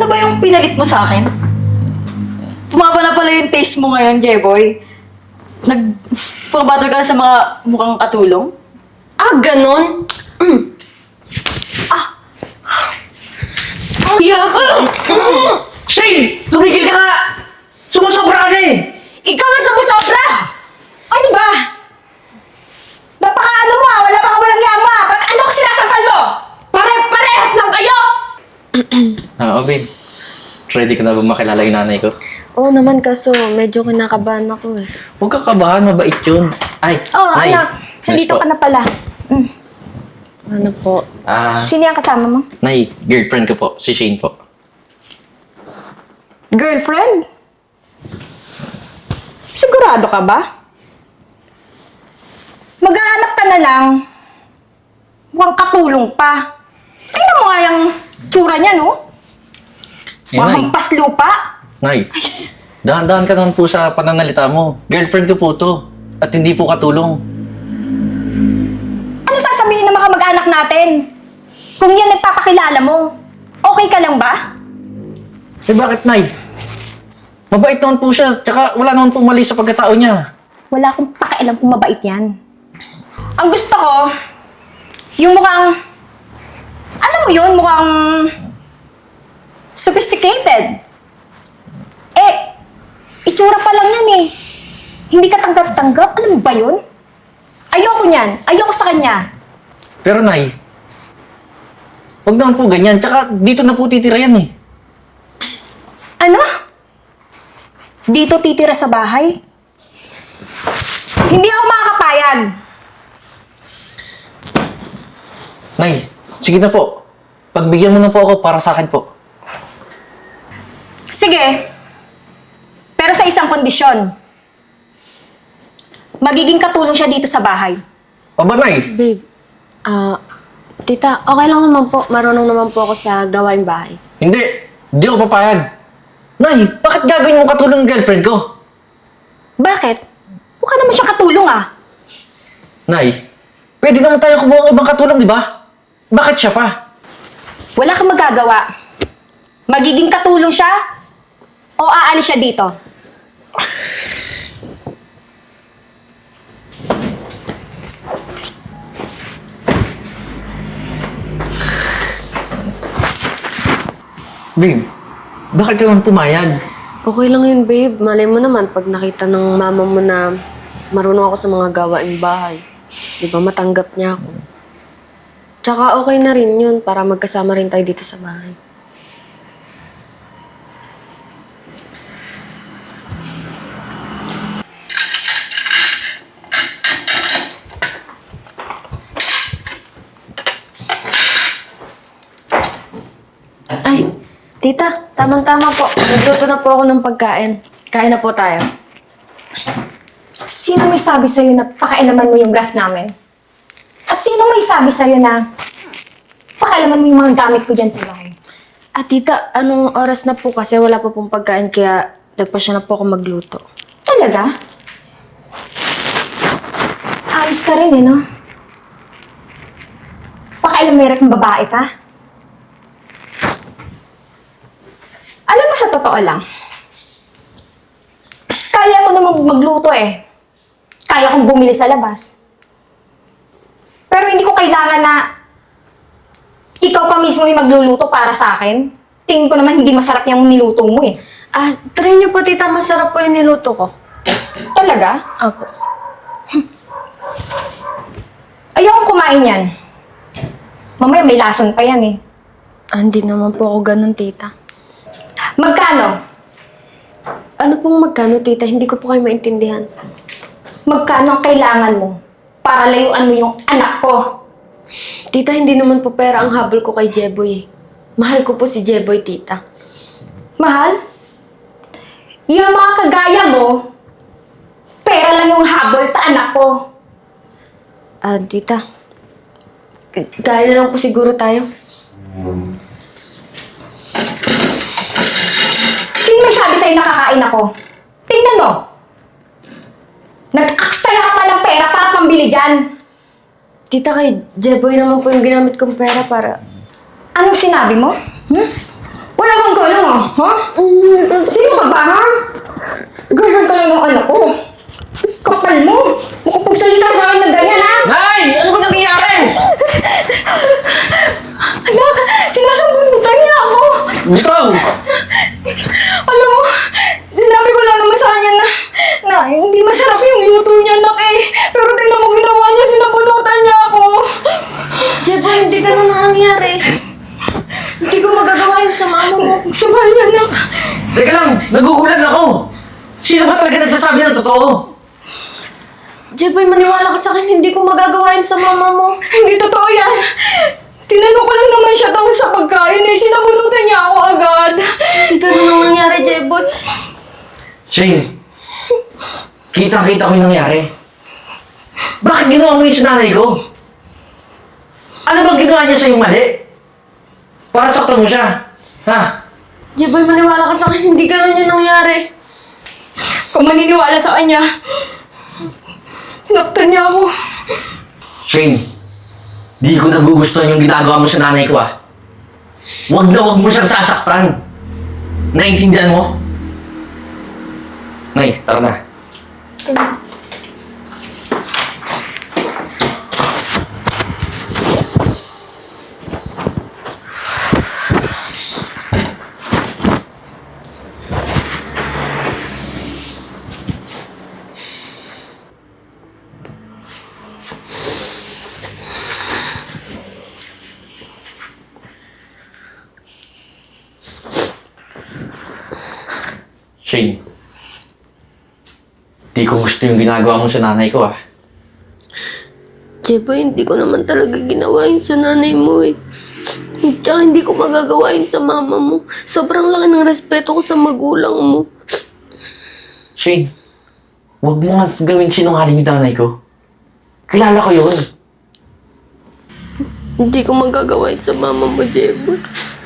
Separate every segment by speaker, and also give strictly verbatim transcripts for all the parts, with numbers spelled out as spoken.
Speaker 1: ba yung pinalit mo sa akin? Tumaba na pala yung taste mo ngayon, Jeboy. Nag... Pumabother ka na sa mga mukhang katulong?
Speaker 2: Ah, ganon? Mm.
Speaker 1: Iya ka!
Speaker 3: Shane! Tumigil ka nga! Sumusobra ka na eh!
Speaker 2: Ikaw ang sumusobra!
Speaker 4: Ano ba? Napaka-ano mo ah! Wala pa ka walang yama ah! Ba't ano ko sinasampal mo?
Speaker 2: Pare-parehas lang kayo!
Speaker 3: Ah, oh babe. Ready ka na ba makilala yung nanay ko?
Speaker 2: Oo naman, kaso medyo kinakabahan ako eh.
Speaker 3: Huwag ka kabahan, mabait yun. Ay,
Speaker 4: Oh,
Speaker 3: Nay.
Speaker 4: anak.
Speaker 3: Yes
Speaker 4: Nandito
Speaker 3: po.
Speaker 4: ka na pala. Mm.
Speaker 2: Ano po?
Speaker 3: Ah,
Speaker 4: Sino yung kasama mo?
Speaker 3: Nay, girlfriend ko po, si Shane po.
Speaker 4: Girlfriend? Sigurado ka ba? Maghahanap ka na lang. Mukhang katulong pa. Tingnan mo nga yung tsura niya, no?
Speaker 3: Eh, Nay.
Speaker 4: Mukhang paslupa.
Speaker 3: Nay,
Speaker 4: Ay,
Speaker 3: dahan-dahan ka naman po sa pananalita mo. Girlfriend ko po to. At hindi po katulong.
Speaker 4: ano sasabihin ng mga mag-anak natin? Kung yan nagpapakilala mo, okay ka lang ba?
Speaker 3: Eh bakit, Nay? Mabait naman po siya. Tsaka wala naman po mali sa pagkatao niya.
Speaker 4: Wala akong pakialam kung mabait yan. Ang gusto ko, yung mukhang, alam mo yun, mukhang sophisticated. Eh, itsura pa lang yan eh. Hindi ka tanggap-tanggap, alam mo ba yun? Ayoko niyan, ayoko sa kanya.
Speaker 3: Pero, Nay, huwag naman po ganyan. Tsaka dito na po titira yan eh.
Speaker 4: Ano? Dito titira sa bahay? Hindi ako makakapayag.
Speaker 3: Nay, sige na po. Pagbigyan mo na po ako para sa akin po.
Speaker 4: Sige. Pero sa isang kondisyon. Magiging katulong siya dito sa bahay.
Speaker 3: O ba, Nay?
Speaker 2: Babe, ah, tita, okay lang naman po. Marunong naman po ako sa gawaing bahay.
Speaker 3: Hindi. Hindi ako papayag. Nay, bakit gagawin mo katulong ng girlfriend ko?
Speaker 4: Bakit? Mukha naman siya katulong ah.
Speaker 3: Nay, pwede naman tayo kumuha ng ibang katulong, di ba? Bakit siya pa?
Speaker 4: Wala kang magagawa. Magiging katulong siya o aalis siya dito.
Speaker 3: Babe, bakit ka naman pumayag?
Speaker 2: Okay lang yun, babe. Malay mo naman pag nakita ng mama mo na marunong ako sa mga gawaing bahay. Di ba matanggap niya ako? Tsaka okay na rin yun para magkasama rin tayo dito sa bahay. Ay, tita, tamang-tama po. Nagluto na po ako ng pagkain. Kain na po tayo.
Speaker 4: Sino may sabi sa'yo na pakailaman mo yung graph namin? At sino may sabi sa'yo na pakailaman mo yung mga gamit ko dyan sa bahay?
Speaker 2: Ah, tita, anong oras na po kasi wala pa pong pagkain kaya nagpasya na po ako magluto.
Speaker 4: Talaga? Ayos ka rin eh, no? Pakailameret ng babae ka? Alam mo, sa totoo lang, kaya ko namang magluto eh. Kaya kong bumili sa labas. Pero hindi ko kailangan na ikaw pa mismo yung magluluto para sa akin. Tingin ko naman hindi masarap yung niluto mo eh.
Speaker 2: Ah, try niyo po, tita. Masarap po yung niluto ko.
Speaker 4: Talaga?
Speaker 2: Apo.
Speaker 4: Ayokong kumain yan. Mamaya may lason pa yan eh.
Speaker 2: Ah, hindi naman po ako ganun, tita.
Speaker 4: Magkano?
Speaker 2: Ano pong magkano, tita? Hindi ko po kayo maintindihan.
Speaker 4: Magkano ang kailangan mo para layuan mo yung anak ko?
Speaker 2: Tita, hindi naman po pera ang habol ko kay Jeboy. Mahal ko po si Jeboy, tita.
Speaker 4: Mahal? Yung mga kagaya mo, pera lang yung habol sa anak ko.
Speaker 2: Ah, tita. Kaya na lang po siguro tayo.
Speaker 4: Sino may sabi sa'yo nakakain ako? Tingnan mo. Nag-aksaya ka pa ng pera para pambili dyan.
Speaker 2: Tita, kay Jeboy naman po yung ginamit kong pera para...
Speaker 4: Anong sinabi mo? Hmm? Wala kang galang ah, ha? Sino ka ba, ha? Ganyan ka lang ng anak ko. Kapal mo. Makapagsalita ka sa akin ng ganyan, ha?
Speaker 3: Nay! Ano ba nangyayari?
Speaker 4: Anak, sinasabunutan niya ako.
Speaker 3: Ikaw!
Speaker 4: Alam mo, sinabi ko lang naman sa kanya na, na hindi masarap yung luto niya, anak eh. Pero tingnan mo ginawa niya, sinabunutan niya ako.
Speaker 2: Jeboy, hindi ganun na nangyari. Hindi ko magagawa yun sa mama mo.
Speaker 4: Sabay niya, anak.
Speaker 3: Teka lang, nagugulan ako. Sino ba talaga nagsasabi ng totoo?
Speaker 2: Jeboy, maniwala ka sa akin, hindi ko magagawa yun sa mama mo.
Speaker 4: Hindi totoo yan. Tinanong ko lang naman siya daw sa pagkain eh. Sinabunutan niya ako agad.
Speaker 2: Hindi ganun ang nangyari, Jeboy.
Speaker 3: Shane, kitang-kita ko yung nangyari. Bakit ginawa mo yung sa nanay ko? Ano bang ginawa niya sa'yo mali? Para saktan mo siya. Ha?
Speaker 2: Jeboy, maniwala ka sa akin, hindi ganun yung nangyari.
Speaker 4: Kung maniniwala sa kanya, sinaktan niya ako.
Speaker 3: Shane, di ko nagugustuhan yung ginagawa mo sa nanay ko ah. Huwag na huwag mo siyang sasaktan. Naintindihan mo? Nay, tara na. Shane, di ko gusto yung ginagawa mo sa nanay ko ah.
Speaker 2: Jeboy, hindi ko naman talaga ginawa yun sa nanay mo eh. Tsaka hindi ko magagawa yun sa mama mo. Sobrang laki ng respeto ko sa magulang mo.
Speaker 3: Shane, huwag mo nga gawin sinungaling yung nanay ko. Kilala ko yun.
Speaker 2: Hindi ko magagawa yun sa mama mo, Jeboy.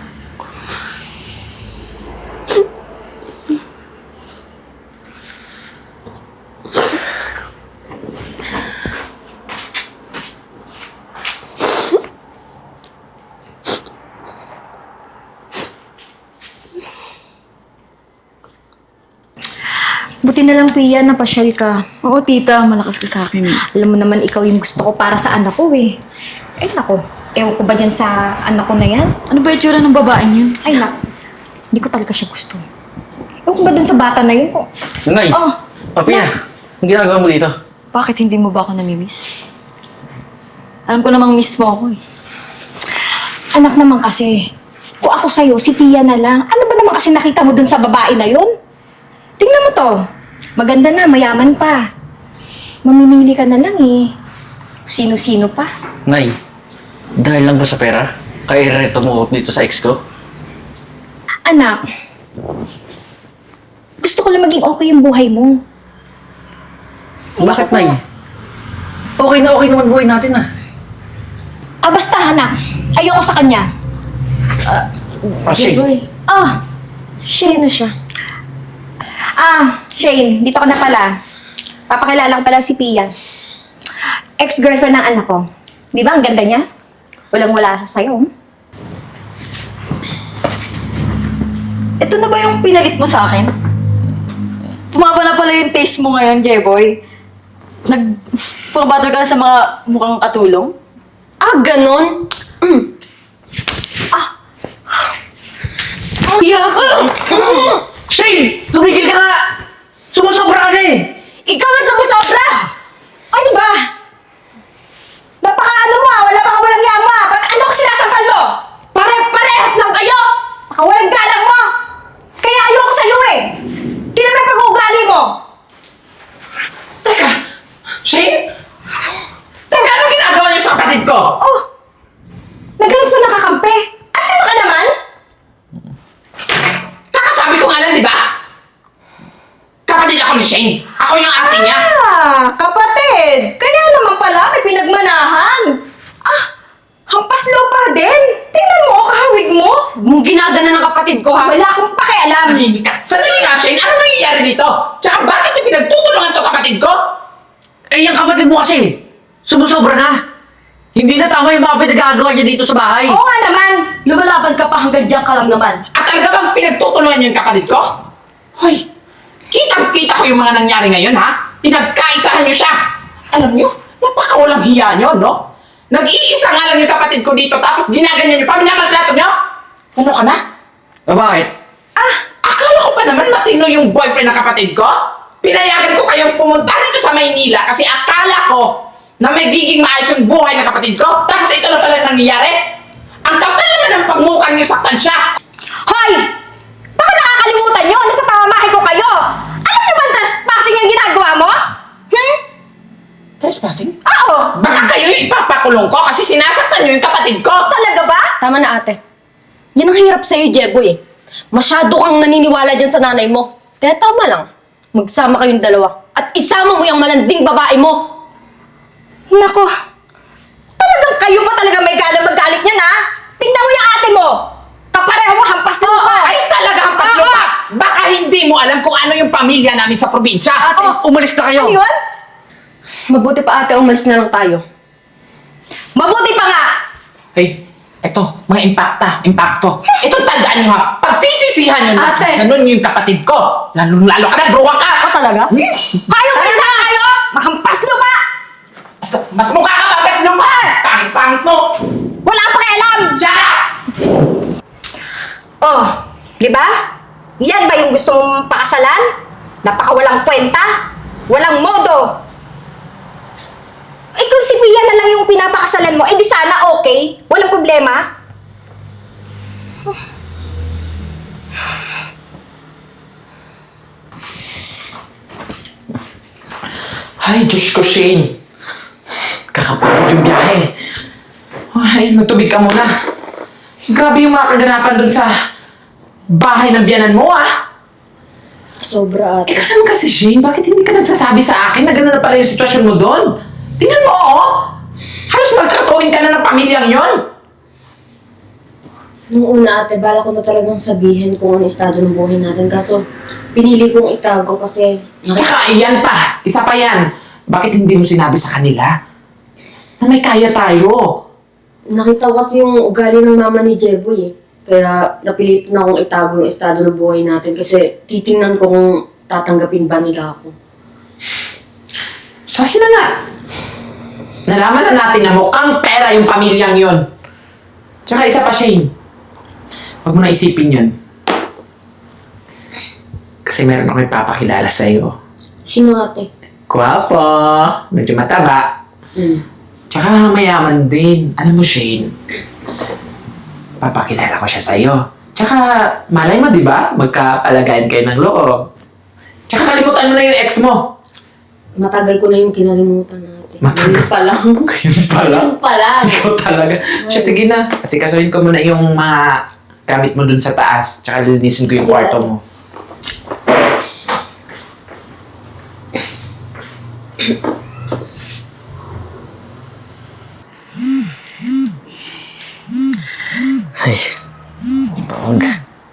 Speaker 4: Buti na lang, Pia, napasyal ka.
Speaker 1: Oo, tita. Malakas ka sa akin.
Speaker 4: Alam mo naman, ikaw yung gusto ko para sa anak ko eh. Ay, nako. Ewan ko ba dyan sa anak ko na yan?
Speaker 1: Ano ba yung tsura ng babaeng yun?
Speaker 4: Ay, nako. Hindi ko talaga siya gusto. Ewan ko ba dun sa bata na yun? Oh,
Speaker 3: Nay!
Speaker 4: Oh,
Speaker 3: Papiya, ang ginagawa mo dito?
Speaker 1: Bakit hindi mo ba ako namimiss? Alam ko namang miss mo ako eh.
Speaker 4: anak naman kasi. Kung ako sa'yo, si Pia na lang. Ano ba naman kasi nakita mo dun sa babae na yun? Tingnan mo to. Maganda na, mayaman pa. Mamimili ka na lang eh. Sino-sino pa.
Speaker 3: Nay, dahil lang ba sa pera? Kaya ireto mo ako dito sa ex ko?
Speaker 4: Anak, gusto ko lang maging okay yung buhay mo.
Speaker 3: Bakit, Nay? Okay na okay naman buhay natin ah.
Speaker 4: Ah, basta anak. Ayoko sa kanya.
Speaker 3: Ah, Shane.
Speaker 2: Jeboy,
Speaker 4: Ah,
Speaker 2: sino siya?
Speaker 4: ah, Shane, dito ka na pala. Papakilala ko pala si Pia. Ex-girlfriend ng anak ko. Di ba ang ganda niya? Walang-wala siya sa'yo.
Speaker 1: Ito na ba yung pinalit mo sa akin? Pumaba na pala yung taste mo ngayon, Jeboy. Nag-pumabother ka na sa mga mukhang katulong?
Speaker 2: Ah, ganon? Mm.
Speaker 1: Iya ka!
Speaker 3: Shane! Tumigil ka nga! Sumusobra ka na eh!
Speaker 2: Ikaw ang sumusobra!
Speaker 4: Ano ba? Napaka-ano mo ah, wala pa ka walang yama. Ba't ano ko sinasampal mo?
Speaker 2: Pare-parehas lang kayo!
Speaker 4: Baka walang galang mo. Kaya ayoko sa'yo eh. Tingnan mo yung pag-uugali mo.
Speaker 3: Teka! Shane? Teka, ano ginagawa niyo sa kapatid ko?
Speaker 4: Oh, nagalit mo nakakampi. At sino ka naman?
Speaker 3: Kakasabi ko nga lang, di ba? Kapatid ako ni Shane. Ako yung ate niya.
Speaker 4: Ah, kapatid. Kaya naman pala may pinagmanahan. Ah, hampas lupa din. Tingnan mo, kahawig mo.
Speaker 2: Mong ginagana ng kapatid ko, ha?
Speaker 4: Wala akong pakialam.
Speaker 3: Manimik ka. Sandali nga, Shane. Ano nangyayari dito? Tsaka bakit niyo pinagtutulungan to kapatid ko? Eh, yung kapatid mo kasi, sumusobra na. Hindi na tama yung mga pinagagawa niya dito sa bahay.
Speaker 4: Oo nga naman.
Speaker 1: Lumalaban ka pa hanggang diyan ka lang naman.
Speaker 3: At
Speaker 5: talaga bang pinagtutulungan niyo yung kapatid ko? Hoy, kitang-kita ko yung mga nangyari ngayon, ha? Pinagkaisahan niyo siya. Alam niyo, napakawalang hiya niyo, no? Nag-iisa nga lang yung kapatid ko dito, tapos ginaganyan niyo pa, minamaltrato niyo? Ano ka na?
Speaker 3: O bakit?
Speaker 5: Ah, akala ko pa naman matino yung boyfriend ng kapatid ko? Pinayagan ko kayong pumunta dito sa Maynila kasi akala ko na may giging maayos yung buhay ng kapatid ko. Tapos ito na pala nangyayari. Ang kapal naman ng pagmukha niyo saktan siya.
Speaker 4: Hoy! Baka nakakalimutan nyo, nasa pamamahay ko kayo! Alam niyo ba ang trespassing ang ginagawa mo? Hmm?
Speaker 5: Trespassing?
Speaker 4: Oo!
Speaker 5: Baka kayo ipapakulong ko kasi sinasaktan niyo yung kapatid ko.
Speaker 4: Talaga ba?
Speaker 2: Tama na ate. Yan ang hirap sa'yo, Jeboy eh. Masyado kang naniniwala dyan sa nanay mo. Kaya tama lang. Magsama kayong dalawa. At isama mo yung malanding babae mo.
Speaker 4: Nako, talagang kayo pa talaga may gana magalit niyan, ha? Tingnan mo yung ate mo! Kapareho mo, hampas na pa!
Speaker 5: Ay talaga ang paslupa. Baka hindi mo alam kung ano yung pamilya namin sa probinsya.
Speaker 3: Ate, umalis na kayo!
Speaker 4: Ano yun?
Speaker 2: Mabuti pa ate, umalis na lang tayo.
Speaker 4: Mabuti pa nga!
Speaker 5: Hey, eto, mga impacta, impacto. Ito tandaan nyo ha, pagsisisihan nyo na
Speaker 2: Ate!
Speaker 5: ganun yung kapatid ko. Lalo-lalo ka na, bruwa ka!
Speaker 4: Ah, talaga?
Speaker 5: Hmm?
Speaker 4: Kayo, umalis na kayo! Mahampas nyo pa!
Speaker 5: Mas, mas mukha ka pa, best nyo pa! Pangit-pangit mo!
Speaker 4: Wala pa alam!
Speaker 5: Shut up!
Speaker 4: Oh, di ba? Yan ba yung gusto mong pakasalan? Napakawalang kwenta? Walang modo? Eh kung si Pia na lang yung pinapakasalan mo, eh di sana okay? Walang problema?
Speaker 5: Ay, Diyos ko, Shane. Kakapagod yung biyahe. Ay, magtubig ka muna. Grabe yung mga kaganapan dun sa bahay ng biyanan mo, ah.
Speaker 2: Sobra ate.
Speaker 5: Ikaw naman kasi, Shane, bakit hindi ka nagsasabi sa akin na gano'n na pala yung sitwasyon mo doon? Tingnan mo, oh! Halos maltratuhin ka na ng pamilyang yon.
Speaker 2: Nung una ate, bala ko na talagang sabihin kung ano estado ng buhay natin. Kaso, pinili kong itago kasi...
Speaker 5: Tsaka, iyan pa. Isa pa yan. Bakit hindi mo sinabi sa kanila na may kaya tayo?
Speaker 2: Nakita ko kasi yung ugali ng mama ni Jeboy eh. Kaya napilitan akong itago yung estado ng buhay natin kasi titingnan ko kung tatanggapin ba nila ako.
Speaker 5: So, yun na nga. Nalaman na natin na mukhang pera yung pamilyang yon. Tsaka isa pa, Shane. Huwag mo na isipin yun. Kasi meron akong ipapakilala sa'yo.
Speaker 2: Sino ate?
Speaker 5: Guwapo. Medyo mataba.
Speaker 2: Hmm.
Speaker 5: Tsaka mayaman din. Alam mo, Shane, papakilala ko siya sa'yo. Tsaka, malay mo, di ba? Magkapalagayan kayo ng loob. Tsaka kalimutan mo na yung ex mo.
Speaker 2: Matagal ko na yung kinalimutan natin.
Speaker 5: Matagal?
Speaker 2: Yun pa lang.
Speaker 5: Yun pala.
Speaker 2: Yun pa lang.
Speaker 5: Ikaw talaga. Siya, sige na. Kasi kasuhin ko muna yung mga gamit mo dun sa taas. Tsaka lilinisin ko yung
Speaker 2: Sige.
Speaker 5: kwarto mo.
Speaker 3: Ay, bawag.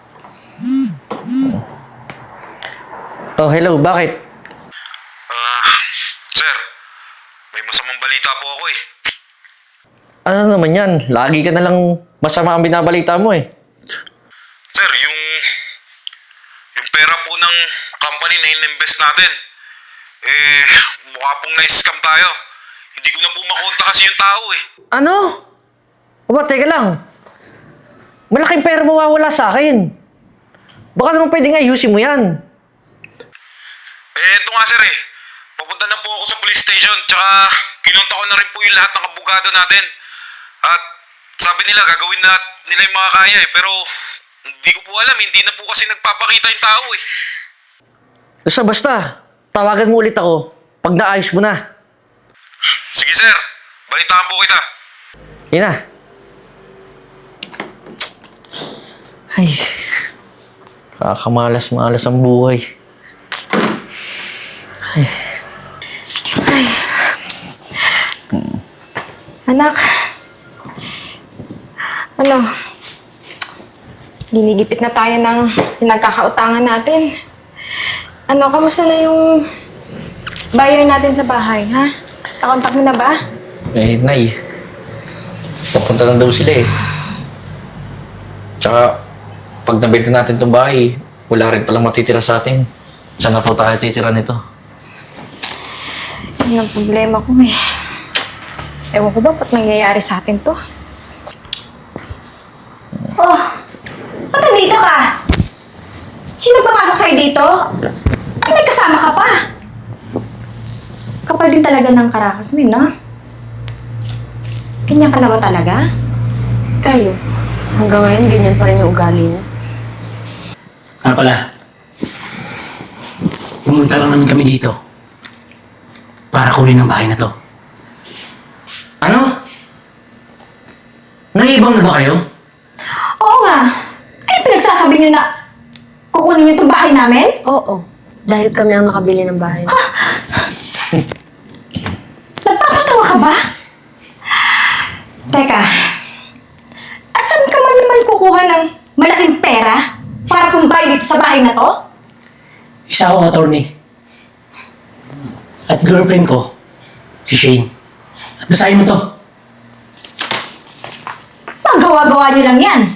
Speaker 3: Oh, hello, bakit?
Speaker 6: Ah, sir, may masamang balita po ako eh.
Speaker 3: Ano naman yan? Lagi ka na lang masama ang binabalita mo eh.
Speaker 6: Sir, yung yung pera po ng company na in-invest natin, eh, mukha pong na-scam tayo. Hindi ko na po makonta kasi yung tao eh.
Speaker 3: Ano? Aba, teka lang. Malaking pera mawawala sa akin. Baka naman pwedeng ayusin mo yan.
Speaker 6: Eh, ito nga sir eh. Papunta na po ako sa police station, tsaka kinunta ko na rin po yung lahat ng abogado natin. At sabi nila, gagawin na nila yung mga kaya eh. Pero hindi ko po alam, hindi na po kasi nagpapakita yung tao eh.
Speaker 3: Basta basta, tawagan mo ulit ako pag naayos mo na.
Speaker 6: Sige sir, balitaan po kita.
Speaker 3: Yun na. Ay, kakamalas-malas ang buhay.
Speaker 4: Anak, ano, ginigipit na tayo ng pinagkakautangan natin. Ano, kamusta na yung buyer natin sa bahay, ha? Nakontak mo na ba?
Speaker 3: Eh, Nay. Papunta lang daw sila eh. Tsaka, pag nabenta natin itong bahay, wala rin palang matitira sa atin. Saan na po tayo titira nito?
Speaker 4: Yan ang problema ko eh. Ewan ko ba ba't nangyayari sa atin to? Oh! Ba't nandito ka? Sino papasok sa'yo dito? Ay, may kasama ka pa! Kapal din talaga ng karakas mo, eh, no? Ganyan ka na ba talaga?
Speaker 2: Kayo, hanggang ngayon ganyan pa rin yung ugali niyo.
Speaker 7: Nga pala, pumunta lang namin kami dito para kunin ang bahay na to.
Speaker 3: Ano? Naibang na ba kayo?
Speaker 4: Oo nga! Ano pinagsasabi niyo na kukunin niyo itong bahay namin?
Speaker 2: Oo, dahil kami ang nakabili ng bahay.
Speaker 4: Nagpapatawa ka ba? Teka, at saan ka man naman kukuha ng malaking pera para pumbay dito sa bahay na to?
Speaker 7: Isa akong attorney. At girlfriend ko, si Shane. At basahin mo to.
Speaker 4: Magawa-gawa niyo lang yan.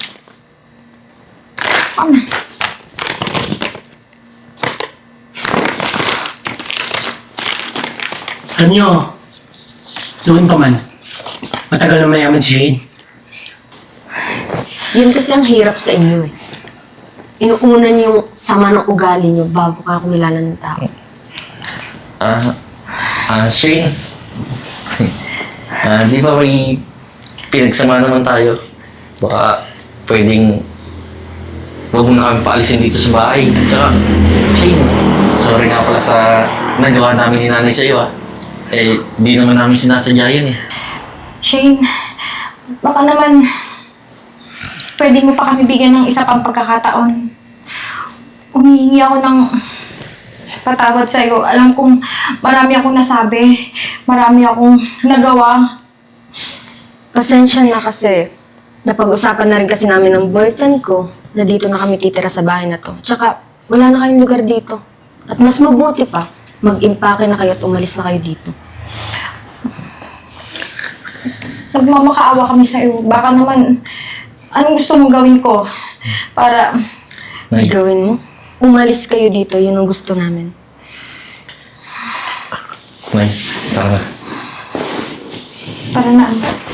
Speaker 4: Ano?
Speaker 7: Alam nyo, doon pa man, matagal na mayaman si Shane.
Speaker 2: Yun kasi ang hirap sa inyo eh. Inuuna niyo yung sama ng ugali niyo bago ka kumilala ng tao.
Speaker 3: Ah, ah, Shane. Ah, di ba may pinagsama naman tayo? Baka pwedeng huwag mo na kami paalisin dito sa bahay. Tsaka, Shane, sorry nga pala sa nagawa namin ni nanay sa'yo ah. Eh, di naman namin sinasadya yun eh.
Speaker 4: Shane, baka naman pwede mo pa kami bigyan ng isa pang pagkakataon. Umihingi ako ng patawad sa'yo. Alam kong marami akong nasabi. Marami akong nagawa.
Speaker 2: Pasensya na kasi napag-usapan na rin kasi namin ng boyfriend ko na dito na kami titira sa bahay na to. Tsaka wala na kayong lugar dito. At mas mabuti pa, mag-impake na kayo at umalis na kayo dito.
Speaker 4: Nagmamakaawa kami sa'yo. Baka naman, anong gusto mong gawin ko? Para,
Speaker 3: Nay,
Speaker 2: Gawin mo? Umalis kayo dito, yun ang gusto namin.
Speaker 3: Nay, tara na.
Speaker 4: para na ano.